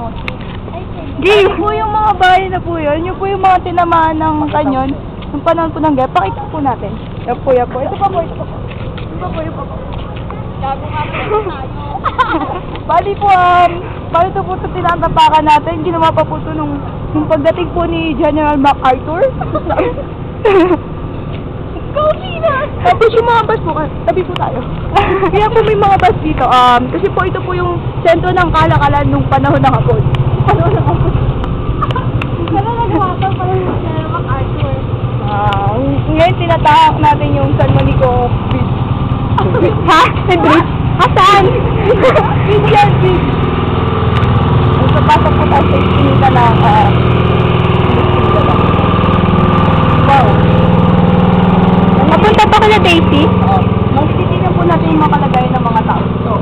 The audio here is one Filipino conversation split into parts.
Game po yung mga bahay na po yun. Yung po yung mga tinamaan ng kanyon. Yung panahon po ng gaya. Pakita po natin. Yan po, yan po. Ito pa po, ito pa po. Ito pa po, ito pa po. Gago nga po tayo. Bali po, bali ito po ito tinatapakan natin. Ginawa pa po ito nung pagdating po ni General MacArthur. Coffee na! Tapos yung mga bus po, tabi po tayo. Kaya po may mga bus dito. Kasi po ito po yung sentro ng kalakalan nung panahon ng hapon. Panahon ng hapon. Pero nagawa pa pala yung General MacArthur. Ngayon tinatahak natin yung San Monico Bridge. Ha? May bridge? Saan? Bridge yan, bridge. So, pasok po tayo sa iskinita ng wow. Napunta pa kala Daisy? Oo. Magtitignan po natin yung mga kalagayan ng mga tao. So,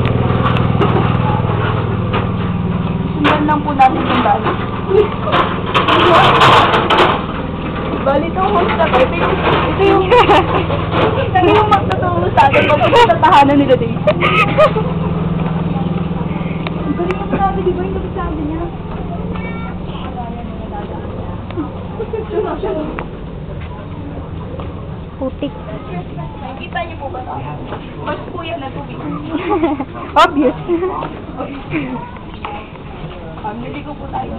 sundan lang po natin yung dali. Bali itong host na ba? Ito yung magtutulong sa atin pag sa tahanan nila Daisy. Ang galing yung sabi, di ba yung sabi niya? Putik. Nakikita niyo po ba ito? Mas po yan na tubig. Obvious. Niligo po tayo.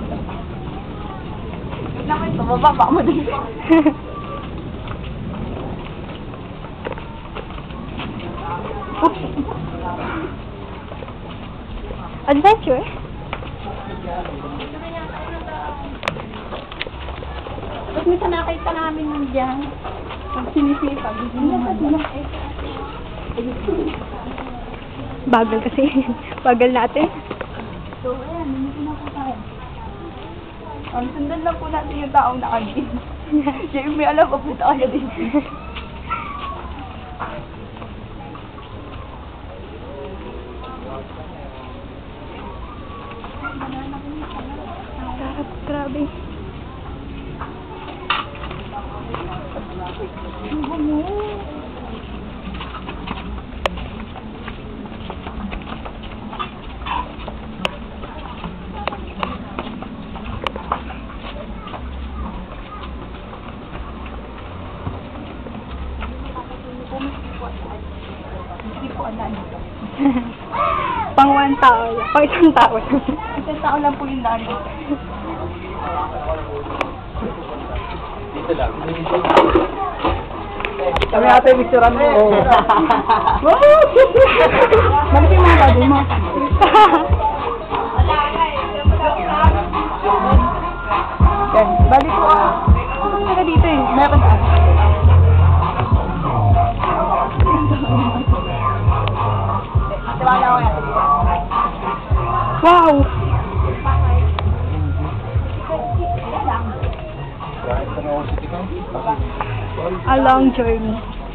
Wait naman ito, mababa mo din. Oops. Adventure? Tapos minsan nakita namin nun dyan. Pag sinisipag, Bagal kasi. Bagal natin. So, ayan, nandito na po tayo. Sundan lang po natin yung taong nakagin. Siya yung may alam pa po tayo din. Grabe. Pang one tao lang. Pang isang tao lang. Isang tao lang po yung daan dito. Dito lang. Kami ata yung mixturan mo. Bakit yung mga bago mo? Yan. Balik ko. Ano nga dito eh? Meron ka. Wow! A long journey.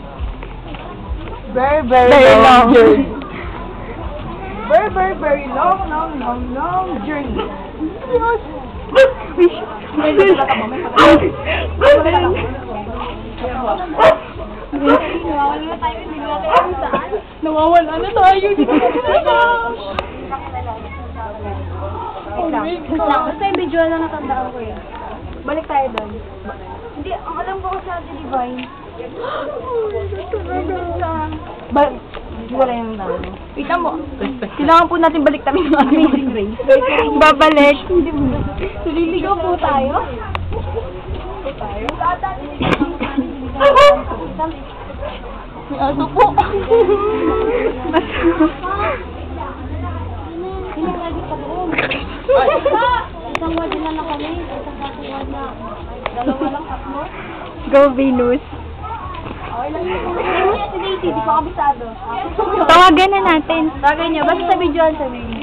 Very long journey. Very long journey. Nawawala na tayo. Basta yung visual na natandaan ko yun. Balik tayo doon. Hindi, ang alam ko kasi Ate Divine. Wala yung dami. Wait mo. Kailangan po natin balik tayo ng Amazing Grace. Babalik. Liligaw po tayo. May aso po. Pinagagi pa doon. Isang word na lang kami. Isang word na. Dalawa lang, tatlo. Go Venus. Okay lang yun. Si Daisy, di ko kabisado. Tawagan na natin. Tawagan niyo. Basta sa video sa video.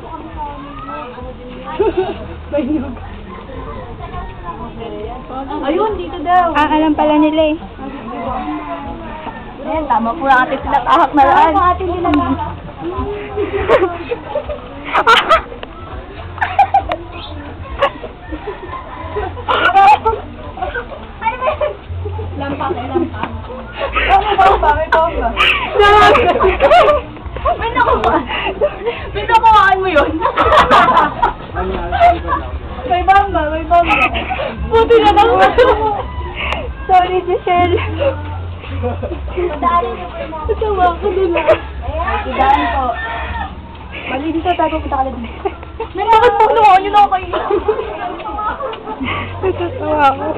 Ayun, dito daw. Alam pala nila eh. Ayan, tama po ang ating sinatahak na laan. Tama po ating nilalaan. Lampak. May bomba. May nakuhaan mo yun. Sorry, Giselle. Madaanin niyo po yung mga... Natawa ko nila. Idaan po. Mali dito, tago kita ka na dito. Bakit po naman yun ako kayo? Natatawa ako.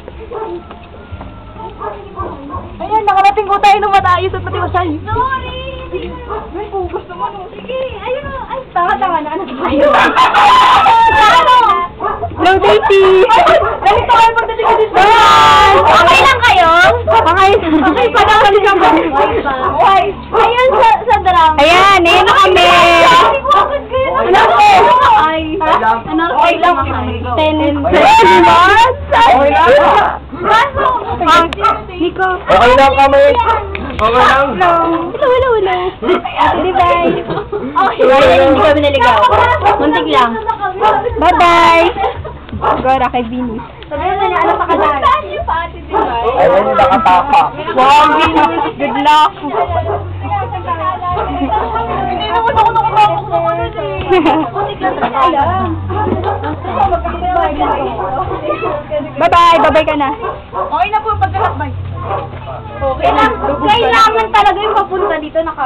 Ayan, nakarating ko tayo ng matayos at matiwasay. Sorry! May focus naman. Sige, ayun o. Ay, tanga-tanga na. Ano tayo? Ano? Hello, Daisy! Ganito kayo pagdating ko dito. Bye! Okay lang kayo? Okay. Okay pa na kami sa mga. Okay. Ayun sa drama. Ayan, ayan na kami. Ano ko? Ay. Ano? Okay lang. 10 months? Okay lang. Nico. Okay lang kami. Okay lang. Hello. Ate Divine. Okay. Hindi kami naligaw. Muntik lang. Bye-bye. Gora kay Venus. Sabihin na niya, ano pa ka dahil? Saan niyo pa, Ate Divine? Ayun yung nakatapa. Wow, Venus. Good luck. Hindi naman ako nakapasok ng ano eh. Putik lang sa kaya. Bye-bye. Bye-bye ka na. Okay na po, pagkalakbay. Okay lang. Kailangan talaga yung papunta dito